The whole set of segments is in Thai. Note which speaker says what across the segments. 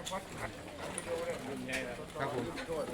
Speaker 1: ครับผม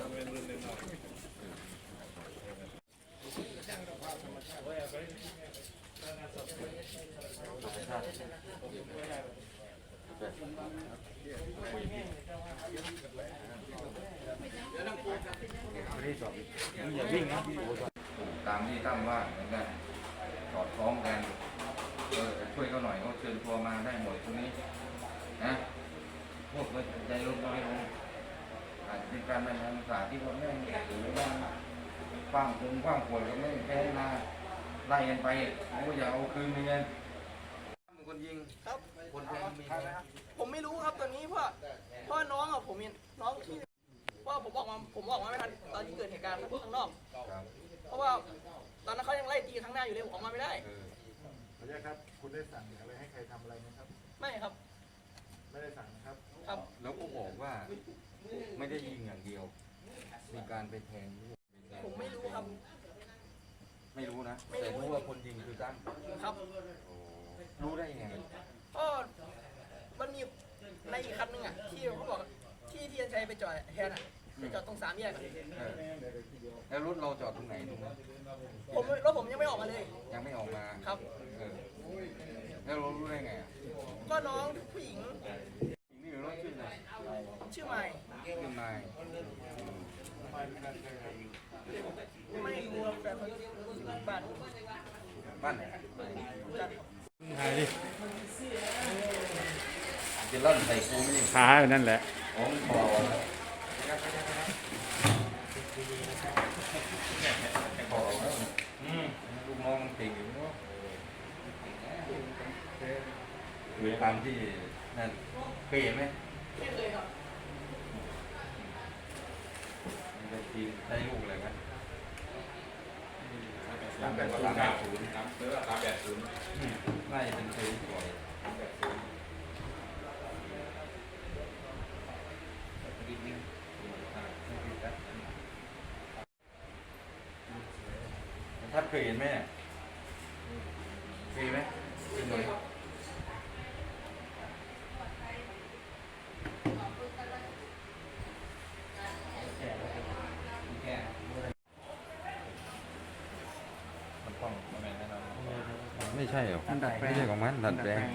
Speaker 1: อย่าวิ่งนะตามที่ตั้งว่าเหมือนกันสอดคล้องกันช่วยเขาหน่อยเขาเชิญตัวมาได้หมดตรงนี้นะพวกใจลงไม่ลงอาจจะเป็นการบรรยายศาสตร์ที่เขาไม่หรือว่ากว้างขวดก็ไม่แพ้มาไล่กันไปเขาก็อยากเอาคืนเหมือนกันเป็นคนยิง
Speaker 2: ครับ
Speaker 1: คนแทงมีไหม
Speaker 2: ผมไม่รู้ครับตอนนี้เพราะน้องอ่ะผมมีน้องที่ว่าผมออกมาไม่ทันตอนที่เกิดเหตุการณ์ข้างนอกเพราะว่าตอนนั้นเขายังไล่ตีข้างหน้าอยู่เลยผมออกมาไม่ได้
Speaker 3: ขออนุญาตครับคุณได้สั่งอะไรให้ใครทำอะไรไหมครับ
Speaker 2: ไม่ครับ
Speaker 3: ไม่ได้สั่งครับ
Speaker 2: ครับ
Speaker 1: แล้วก็บอกว่าไม่ได้ยิงอย่างเดียวมีการไปแทง
Speaker 2: ผมไม่รู้ครับ
Speaker 1: ไม่รู้นะแต่รู้ว่าคนยิงคือตั้ม
Speaker 2: ครับ
Speaker 1: รู้ได้ยังไง
Speaker 2: ก็มันมีในอีกคันนึงอ่ะที่เขาบอกที่ยันชัยไปจอดแทนอ่ะไปจอดตรง3 แยก
Speaker 1: แล้วรถเราจอดตรงไหนตรงนั้น
Speaker 2: รถผมยังไม่ออกมาเลย
Speaker 1: ยังไม่ออกมา
Speaker 2: ครับ
Speaker 1: แล้วเรารู้ได้ไง
Speaker 2: ก็น้องผู้หญิง
Speaker 1: นี่รถชื่ออะไร
Speaker 2: ชื่อไมค์ไม่รู้แต่บ้าน
Speaker 1: ไหน
Speaker 4: ถ่ายดิ
Speaker 1: จะล่อนใส่กูไม่
Speaker 4: ขาอยู่นั่นแหละ
Speaker 1: ของคอลูกน้องเก่งอยู่เนาะคือตามที่นั่นเคยเห็นไหม
Speaker 2: ไม่เคยครับ
Speaker 1: ได้ทีมได้ลูกอะไรไหม
Speaker 3: 380
Speaker 1: น่าจะเป็นเคยบ่อยท่านเคยเห็นไหมเคยไหมเคยไหมไม่ใช่หรอไม่ใช่ของมันดัดแปลง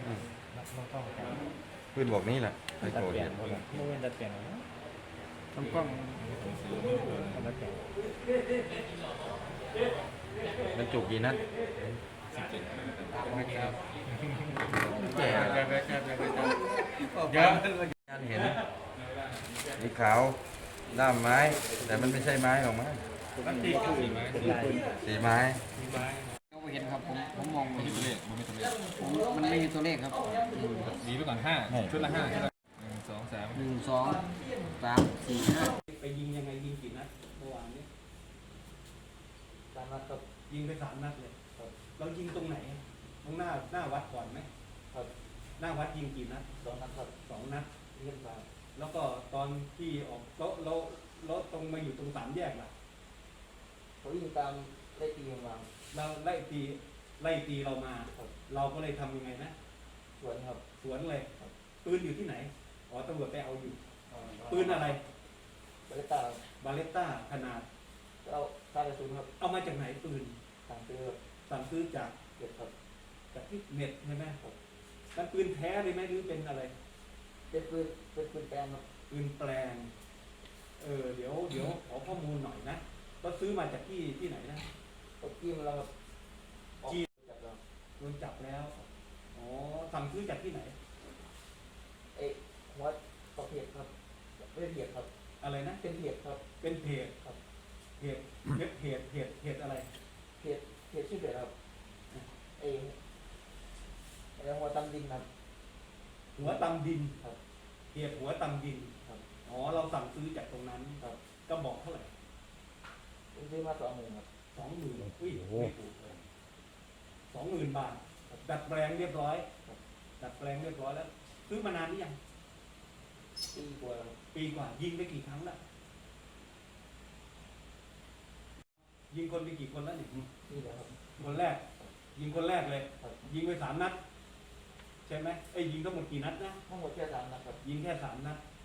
Speaker 1: ปืนบอกนี่แหละไอ้โกรธเนี่ย
Speaker 4: ดัดแปลงต้องกล้องดัดแปลง
Speaker 1: มันจุกกี่นัดแก่เยอะเห็นสีขาวด้ามไม้แต่มันไม่ใช่ไม้หรอกมั้งสีไม้
Speaker 5: ก็เห็นครับผมมองไม่ตัวเลขมันไม่ตัวเลขมันไม่มีตัวเลขครับ
Speaker 4: ดีไปก่อน5ชุดละ5 1 2 3
Speaker 5: 1 2 3 4 5
Speaker 2: ไปยิงยังไงยิงกี่นัดเมื่อวานนี้
Speaker 5: 3 นัดครับ
Speaker 2: ยิงไป3 นัดเลยเรายิงตรงไหนตรงหน้าวัดก่อนไหม
Speaker 5: ครับ
Speaker 2: หน้าวัดยิงกี่นัด
Speaker 5: 2 นัดครับ
Speaker 2: 2 นัด
Speaker 5: เล่นมา
Speaker 2: แล้วก็ตอนที่ออกรถตรงมาอยู่ตรง3 แยกล่ะ
Speaker 5: เขายิงตามไล่ตีมา
Speaker 2: เราไล่ตีเรามาเราก็เลยทำยังไงนะ
Speaker 5: สวนครับ
Speaker 2: สวนเลยปืนอยู่ที่ไหนอ๋อตำรวจไปเอาอยู่ปืนอะไร
Speaker 5: บาเลต้า
Speaker 2: ขนาด
Speaker 5: เอาค่ากระสุนครับ
Speaker 2: เอามาจากไหนปืน
Speaker 5: สั่งซื้อ
Speaker 2: จาก
Speaker 5: เก็บครับ
Speaker 2: จากที่เน็ตใช่ไหมนั่นปืนแท้เลยไหมหรือเป็นอะไร
Speaker 5: เป็นปืนแปลงครับ
Speaker 2: ปืนแปลงเดี๋ยวขอข้อมูลหน่อยนะก็ซื้อมาจากที่ไหนนะ
Speaker 5: จี้มาแล้วครับ
Speaker 2: จี้โดนจับแล้วอ๋อสั่งซื้อจากที่ไหน
Speaker 5: หัวต่อเพจครับเป็นเพจครับ
Speaker 2: อะไรนะ
Speaker 5: เป็นเพจครับ
Speaker 2: เป็นเพจครับเพจอะไร
Speaker 5: เพจชื่อเพจครับหัวตำดินครับ
Speaker 2: หัวตำดิน
Speaker 5: ครับ
Speaker 2: เพจหัวตำดิน
Speaker 5: ครับ
Speaker 2: อ๋อเราสั่งซื้อจากตรงนั้น
Speaker 5: ครับ
Speaker 2: ก็บอกเท่าไหร่
Speaker 5: ผมซื้อมา20,000ครับ
Speaker 2: 20,000อุ้ยไม่ถูกเลย20,000 บาทดัดแปลงเรียบร้อยแล้วซื้อมานานหรือยัง
Speaker 5: ปีกว่า
Speaker 2: ยิงไปกี่ครั้งแล้วยิงคนไปกี่คนแล้ว
Speaker 5: นี่แหละครับ
Speaker 2: คนแรกยิงคนแรกเลยยิงไป3 นัดใช่ไหมยิงทั้งหมดกี่นัดนะ
Speaker 5: ทั้งหมดแค่3 นัดครับ
Speaker 2: ยิงแค่3 นัด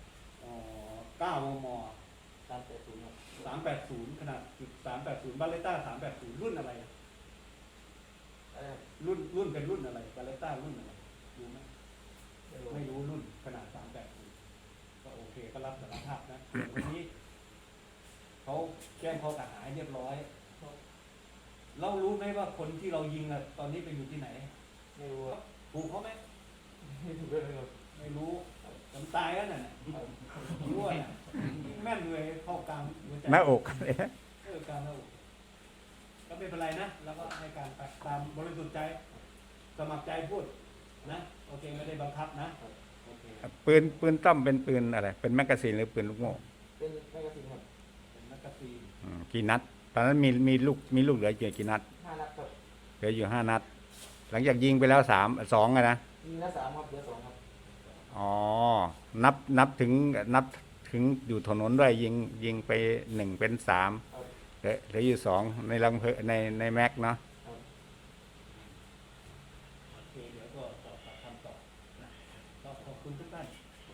Speaker 6: 9 มม.
Speaker 2: 380ครับ
Speaker 6: 380ขนาดจุด380บาเลต้า380รุ่นอะไร
Speaker 2: อะไรครับ
Speaker 6: รุ่นเป็นรุ่นอะไรบาเลต้ารุ่นอะไรรู้ไหม
Speaker 2: ไม่รู้
Speaker 6: ไม่รู้รุ่นขนาด380ก็โอเคก็รับสารภาพนะส่วนคนนี้เขาแจ้งข้อกล่าวหาให้เรียบร้อยเรารู้ไหมว่าคนที่เรายิงอะตอนนี้ไปอยู่ที่ไหน
Speaker 2: ไม่รู้ครับ
Speaker 6: ถูกเขาไหม
Speaker 2: ไม่ถูกเลยครับ
Speaker 6: ไม่รู้จนตายแล้วน่ะรู้อ่ะแม่นเลยเข้ากลางหัวใจ
Speaker 4: หน้าอกเลย
Speaker 6: กลางหน้าอกก็ไม่เป็นไรนะแล้วก็ให้การไปตามบริสุทธิ์ใจสมัครใจพูดนะโอเคไม่ได้บังคับนะโอเค
Speaker 4: ปืนต้อมเป็นปืนอะไร เป็นแมกกาซีนหรือปืนลูกโม่
Speaker 2: เป็นแมกกาซีนครับ
Speaker 6: เป็นแมกกาซีน
Speaker 4: กี่นัด ตอนนั้นมีลูกเหลืออยู่กี่นัด
Speaker 2: 5 นัดครับ
Speaker 4: เหลืออยู่5 นัด หลังจากยิงไปแล้ว2อะนะ
Speaker 2: ยิงนัด3ครับเหลือ2ครับ
Speaker 4: อ๋อ นับถึงอยู่ถนนด้วยยิงไป1เป็น3เหลืออยู่2ในลังเพในแม็กเนาะ
Speaker 6: โอเคเดี๋ยวก็สอบปากคำต่อนะก็ขอบคุณทุกท่าน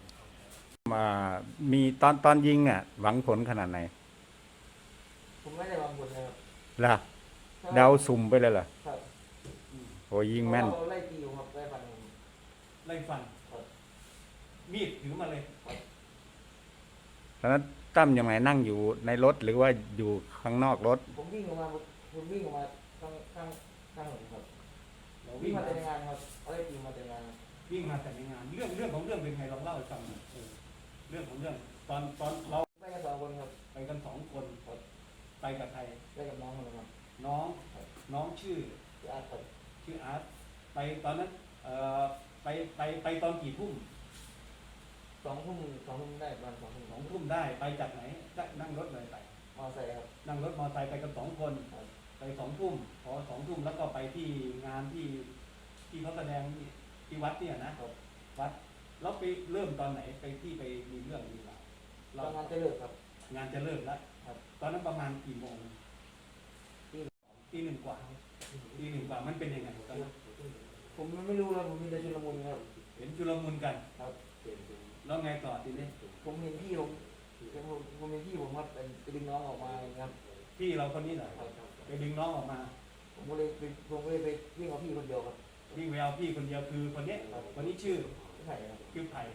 Speaker 4: มีตอนยิงอ่ะ หวังผลขนาดไหน
Speaker 2: ผมไม่ได้วางบนเลยครับ
Speaker 4: ล่ะเดาสุ่มไปเลยเหรอ
Speaker 2: ครับ
Speaker 4: โอ้ยิงแม่น
Speaker 2: เราไล่ตีอยู่ครับไล่ฟันผม
Speaker 6: ไล่ฟัน
Speaker 2: ครับ
Speaker 6: มีดถือมาเลย
Speaker 4: ตอนนั้นตั้มยังไงนั่งอยู่ในรถหรือว่าอยู่ข้างนอกรถ
Speaker 2: ผมวิ่งออกมาข้างถนนครับ
Speaker 6: เรา
Speaker 2: วิ่
Speaker 6: วิ่
Speaker 2: ง
Speaker 6: ง
Speaker 2: มา
Speaker 6: มา
Speaker 2: แต่ในงานครับเอาไล่ตีมาแต่ในงานครับ
Speaker 6: วิ่งมาแต่ในงานเรื่องของเรื่องเป็นไงลองเล่าให้ฟังหน่อยเรื่องของเรื่องตอนเรา
Speaker 2: ไปกัน2 คนครับ
Speaker 6: ไปกัน2 คนไปกับใคร
Speaker 2: ไปกับน้องคนนึงครับ
Speaker 6: น้องชื่อ
Speaker 2: ที่อาร์ตครับ
Speaker 6: ชื่ออาร์ตไปตอนนั้นไปตอนกี่ทุ่ม
Speaker 2: 2 ทุ่มได้ประมาณ2 ทุ่ม
Speaker 6: 2 ทุ่มได้ไปจากไหนนั่งรถเลยไป
Speaker 2: มอไซค์ครับ
Speaker 6: นั่งรถมอเตอร์ไซค์ไปกัน2 คนไป2 ทุ่มพอ2 ทุ่มแล้วก็ไปที่งานที่เขาแสดงที่วัดเนี่ยนะวัดแล้วไปเริ่มตอนไหนไปมีเรื่องมีราว
Speaker 2: เรางานจะเลิกครับ
Speaker 6: งานจะเริ่มแล้ว
Speaker 2: ครับ
Speaker 6: ตอนนั้นประมาณกี่โมง
Speaker 2: ตี
Speaker 6: 1 กว่ามันเป็นยังไงตอนนั้น
Speaker 2: ผมไม่รู้ครับผมมีแต่ชุลมุนครับ
Speaker 6: เห็นชุลมุนกัน
Speaker 2: ครับ
Speaker 6: แล้วไงต่อทีนี้
Speaker 2: ผมเห็นพี่ผมเห็นพี่ผมครับไปดึงน้องออกมาอย่างเงี้ยครับ
Speaker 6: พี่เราคนนี้เหรอ
Speaker 2: ครับ
Speaker 6: ไปดึงน้องออกมา
Speaker 2: ผมก็เลยไปวิ่งกับพี่คนเดียวครับ
Speaker 6: วิ่งไปเอาพี่คนเดียวคือคนนี้คนนี้ชื่อ
Speaker 2: ไม่ใช่ครับ
Speaker 6: ไผ่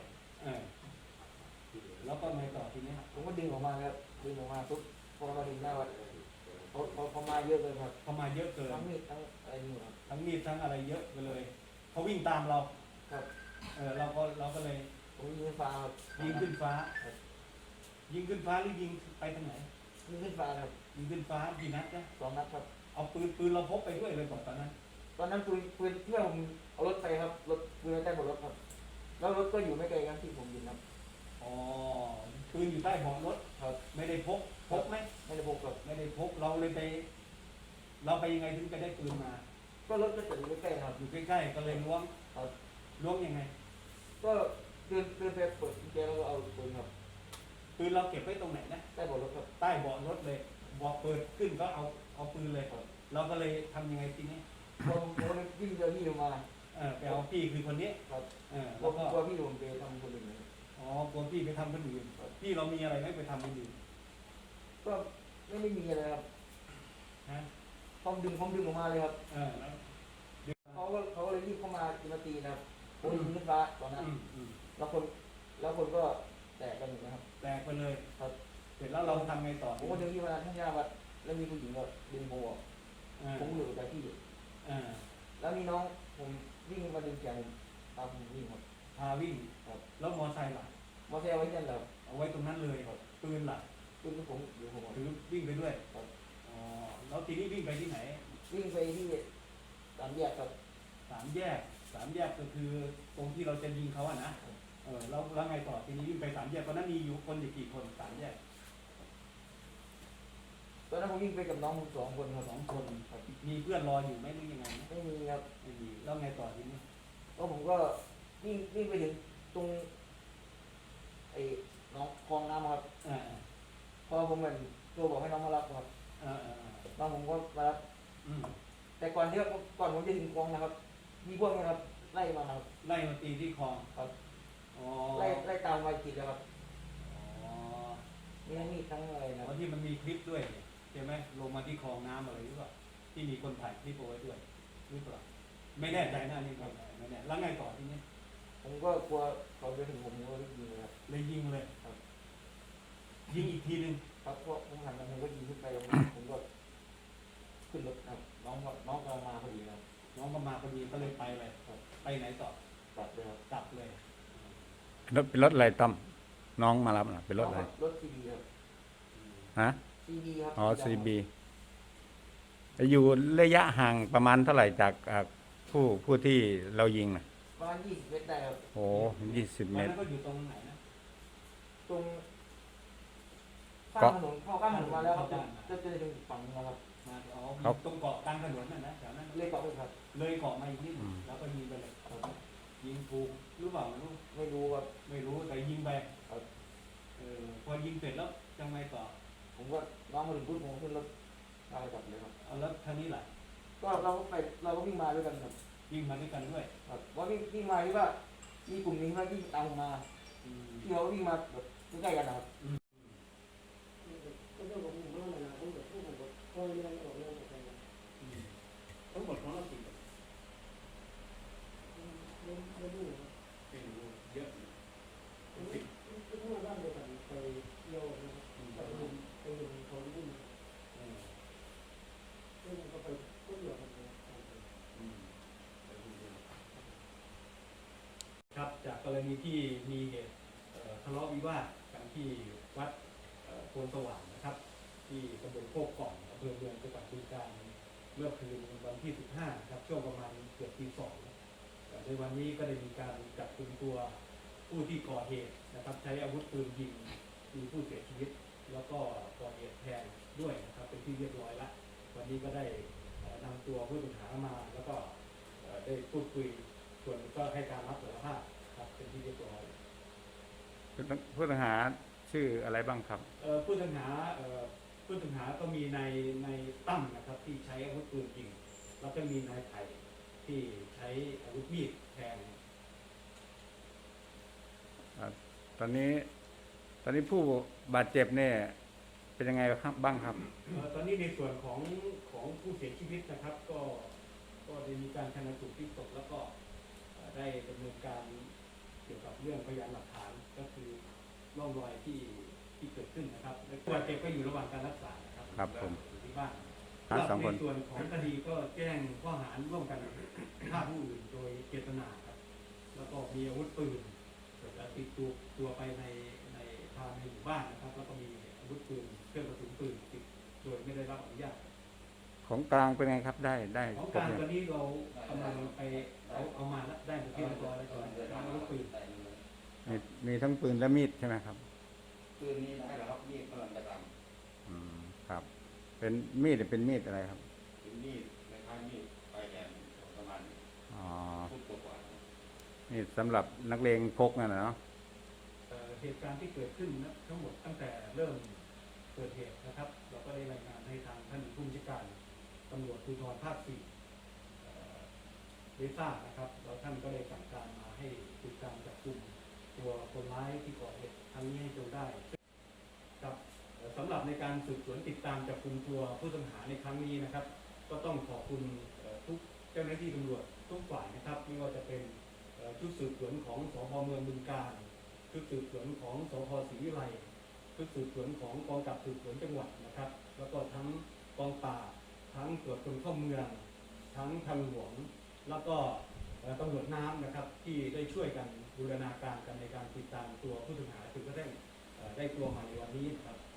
Speaker 6: แล้วก็ไงต่อทีนี้
Speaker 2: ผมก็ดึงออกมาครับดึงออกมาปุ๊บพอมาถึงหน้าวัดเขามาเยอะเลยครับ
Speaker 6: เขามาเยอะเกิน
Speaker 2: ทั้งมีดทั้งอะไรนี่ครับ
Speaker 6: ทั้งมีดทั้งอะไรเยอะไปเลยเขาวิ่งตามเรา
Speaker 2: ครับ
Speaker 6: เราก็เลย
Speaker 2: ผมยิงขึ้นฟ้าครับ
Speaker 6: ยิงขึ้นฟ้าหรือยิงไปทางไหน
Speaker 2: ยิงขึ้นฟ้าครับ
Speaker 6: ยิงขึ้นฟ้ากี่นัดนะ
Speaker 2: 2 นัดครับ
Speaker 6: เอาปืนเราพกไปด้วยเลยบอกตอนนั้น
Speaker 2: ตอนนั้นปืนเพื่อนผมเอารถไปครับรถปืนใต้เบาะรถครับแล้วรถก็อยู่ไม่ไกลกันที่ผมยิงครับ
Speaker 6: อ๋อปืนอยู่ใต้เบาะรถ
Speaker 2: ครับ
Speaker 6: ไม่ได้พกไหม
Speaker 2: ไม่ได้พกครับ
Speaker 6: ไม่ได้พกเราไปยังไงถึงไปได้ปืนมา
Speaker 2: ก็รถก็จอดอยู่ใกล้ๆครับ
Speaker 6: อยู่ใกล้ๆก็เลยล้วง
Speaker 2: ครับ
Speaker 6: ล้วงยังไง
Speaker 2: ก็เดินไปเปิดกุญแจแล้วก็เอาปืนครับ
Speaker 6: ปืนเราเก็บไว้ตรงไหนนะ
Speaker 2: ใต้เบาะรถครับ
Speaker 6: ใต้เบาะรถเลยบอกเปิดขึ้นก็เอาปืนเลยเราก็เลยทำยังไงทีนี้
Speaker 2: ผมเลยวิ่งเจอพี่ลงมา
Speaker 6: ไปเอาพี่คือคนนี้
Speaker 2: ครับ
Speaker 6: แล้ว
Speaker 2: ก
Speaker 6: ก็
Speaker 2: ลัวพี่ผมไปทำคนอื่นเลย
Speaker 6: อ๋อกลัวพี่ไปทำคนอื่นพี่เรามีอะไรไม่ไปทำคนอื่น
Speaker 2: ก็ไม่ได้มีอะไรครับ
Speaker 6: ฮะ
Speaker 2: ผมดึงออกมาเลยครับ
Speaker 6: แล้ว
Speaker 2: เขาก็เลยรีบเข้ามาตีนะครับผมยิงขึ้นฟ้าตอนนั้น
Speaker 6: อืม
Speaker 2: แล้วคนก็แตกกันอยู่นะครับ
Speaker 6: แตกไปเลย
Speaker 2: ครับ
Speaker 6: เสร็จแล้วเราทำไงต่อ
Speaker 2: ผมก็เดินที่มาทั้งยาวัดแล้วมีผู้หญิงก็ดึงโบออก
Speaker 6: อ่า
Speaker 2: ผมอยู่กับที่
Speaker 6: อ่า
Speaker 2: แล้วมีน้องผมวิ่งมาดึงแขนผมตามผมวิ่งครับ
Speaker 6: พาวิ่ง
Speaker 2: ครับ
Speaker 6: แล้วมอไซค์ล่ะ
Speaker 2: มอเตอร์ไซค์ไว้ที่นั่นแหละครับ
Speaker 6: เอาไว้ตรงนั้นเลยปืนล่ะ
Speaker 2: ปืนที่ผมอยู่ผม
Speaker 6: ถือวิ่งไปด้วย
Speaker 2: ครับ
Speaker 6: อ๋อแล้วทีนี้วิ่งไปที่ไหน
Speaker 2: วิ่งไปที่3 แยกครับ
Speaker 6: สามแยกก็คือตรงที่เราจะยิงเขาอะนะแล้วไงต่อทีนี้วิ่งไป3 แยกตอนนั้นมีอยู่คนอยู่กี่คน3 แยก
Speaker 2: ตอนนั้นผมวิ่งไปกับน้องผม2 คนครับ
Speaker 6: 2 คนมีเพื่อนรออยู่ไหมหรือยังไงนะ
Speaker 2: ไม่มีครับ
Speaker 6: ไม่มีแล้วไงต่อทีนี้
Speaker 2: ก็ผมก็วิ่งไปถึงตรงไอ้น้องคลองน้ำครับ
Speaker 6: อ่า
Speaker 2: พอผมเหมือนตัวบอกให้น้องมารับครับ
Speaker 6: อ่า
Speaker 2: น้องผมก็มารับ
Speaker 6: อืม
Speaker 2: แต่ก่อนผมจะถึงคลองนะครับ มีพวกนี้ครับไล่มาครับ
Speaker 6: ไล่มาตีที่คลอง
Speaker 2: ครับ
Speaker 6: อ๋อ
Speaker 2: ไล่ตามมาจิตแล้วครับ
Speaker 6: อ๋อลิปด้วยเนี่ยใช่ไหมลงมาที่คลองน้ำอะไรหรือเปล่าที่มีคนถ่ายคลิปเอาไว้ด้วยหรือเปล่าไม่แน่ใจนะนี่ไม่แน่แล้วไงต่อทีนี้
Speaker 5: ผมก็กลัวเขาจะถึงผมก็ยิงเลยครับ
Speaker 6: เลยยิงเลยยิงอีกทีหนึ่ง
Speaker 5: ครับเพราะผมหันมาผมก็ยิงขึ้นไปผมก็ขึ้นรถครับน้องกำลังมาพอดีครับ
Speaker 6: น้องก็มาพอดีก็เลยไปเลยไปไหนต่อก
Speaker 5: ลับเลยครับ
Speaker 6: กลับเลย
Speaker 4: รถเป็นรถอะไรต้อมน้องมารับน่ะเป็นรถอะไร
Speaker 5: รถซีบีครับ
Speaker 4: ฮะ
Speaker 5: ซีบีครับ
Speaker 4: อ๋อซีบีอยู่ระยะห่างประมาณเท่าไหร่จากผู้ที่เรายิงน่ะ
Speaker 5: ประมาณ20 เมตรได้ครับ
Speaker 4: โอ้20 เม
Speaker 6: วัน
Speaker 4: ตร
Speaker 6: นั้นก็อยู่ตรงไหนนะ
Speaker 5: ตรงข้ามถนนเข้าข้ามถนนมาแล้วครับจะถึงฝั่งนึงแล้วครับ
Speaker 6: มาอยู่ตรงเกาะกลางถนนนั่นนะแถวนั้น
Speaker 5: เลขเกาะเลยครับ
Speaker 6: เลยเกาะมาอีกนิดนึงแล้วก็ยิงไปเลยยิงถูกหรือเปล่าไม่รู้
Speaker 5: ไม่รู้ครับ
Speaker 6: ไม่รู้แต่ยิงไป
Speaker 5: ครับ
Speaker 6: พอยิงเสร็จแล้วยังไงต่อ
Speaker 5: ผมก็น้องมาถึงปุ๊บผมขึ้นรถพากลับเลยครับ
Speaker 6: เอาแล้วท่านี้แหละ
Speaker 5: ก็เราก็วิ่งมาด้วยกันครับ
Speaker 6: ยิงมาด้วยกันด้วย
Speaker 5: ครับว่าวิ่งมาที่ว่ามีกลุ่มนี้เขาวิ่งตามผมมาที่เขาวิ่งมาแบบใกล้ๆกันนะครับ
Speaker 6: ทั้งหมดของเรากี่คนเยอะครับจากกรณีที่มีเหตุทะเลาะวิวาทกันที่วัดโพนสว่างนะครับ ที่ตำบลโคกกล่องอำเภอเมืองจังหวัดบึงกาฬเมื่อคืนวันที่ 15 ครับช่วงประมาณเกือบตี 2ในวันนี้ก็ได้มีการจับกุมตัวผู้ที่ก่อเหตุนะครับใช้อาวุธปืนยิงมีผู้เสียชีวิต แล้วก็ก่อเหตุแทนด้วยนะครับเป็นที่เรียบร้อยแล้ววันนี้ก็ได้นำตัวผู้ต้องหามาแล้วก็ได้พูดคุยส่วนก็ให้การรับสารภาพครับเป็นที่เรียบร้อย
Speaker 4: ผู้ต้องหาชื่ออะไรบ้างครับ
Speaker 6: ผู้ต้องหาก็มีในตั้มนะครับที่ใช้อาวุธปืนยิงแล้วก็มีนายไผ่ที่ใช้อาวุธมีดแทง
Speaker 4: ตอนนี้ผู้บาดเจ็บเนี่ยเป็นยังไงครับบ้างครับ
Speaker 6: ตอนนี้ในส่วนของผู้เสียชีวิตนะครับก็ได้มีการชันสูตรพลิกศพแล้วก็ได้ดำเนินการเกี่ยวกับเรื่องพยานหลักฐานก็คือร่องรอยที่เกิดขึ้นนะครับและผู้บาดเจ็บก็อยู่ระหว่างการรักษานะครับ
Speaker 4: ครับผม
Speaker 6: อยู่ที่บ้าน
Speaker 4: สองคน
Speaker 6: ในส่วนของคดีก็แจ้งข้อหาร่วมกันฆ่าผู้อื่นโดยเจตนาครับแล้วก็มีอาวุธปืนและติดตัวไปในทางในหมู่บ้านนะครับแล้วก็มีอาวุธปืนเครื่องกระสุนปืนติดโดยไม่ได้รับอนุญาต
Speaker 4: ของกลางเป็นไงครับได้
Speaker 6: ของ
Speaker 4: ครบ
Speaker 6: การ
Speaker 4: ยัง
Speaker 6: ตอนนี้เรากำลังไปเอามาแล้วได้เป็นที่เรียบร้อยแล้วก่อนอาวุธปืน
Speaker 4: มีทั้งปืนและมีดใช่ไหมครับ
Speaker 1: คืนนี้ได้หรอครับนี่กำลังจะท
Speaker 4: ครับ เป็นมีดอะไรครับ
Speaker 1: ำเป็นมีดในท้ายมีดปลายแหลมประมาณ
Speaker 4: อ๋อ
Speaker 1: ฟุตกว่า
Speaker 4: นี่สำหรับนักเลงพกนั่นนะเนาะ
Speaker 6: เหตุการณ์ที่เกิดขึ้นนะทั้งหมดตั้งแต่เริ่มเกิดเหตุนะครับ เราก็ได้รายงานให้ทางท่านผู้บัญชาการตำรวจภูธรภาค 4ได้ทราบนะครับแล้วท่านก็ได้สั่งการมาให้ติดตามจับกลุ่มตัวคนร้ายที่ก่อเหตุครั้งนี้ให้จนได้ครับสำหรับในการสืบสวนติดตามจับกลุ่มตัวผู้ต้องหาในครั้งนี้นะครับ ก็ต้องขอบคุณทุกเจ้าหน้าที่ตำรวจทุกฝ่ายนะครับไม่ว่าจะเป็นชุดสืบสวนของสพเมืองบึงกาฬชุดสืบสวนของสพศรีวิไลชุดสืบสวนของกองกำกับสืบสวนจังหวัดนะครับ แล้วก็ทั้งกองปราบทั้งตรวจคนเข้าเมืองทั้งทางหลวงแล้วก็ตำรวจน้ำนะครับที่ได้ช่วยกันบูรณาการกันในการติดตามตัวผู้ต้องหาจนกระทั่งได้ตัวมาในวันนี้นะครับ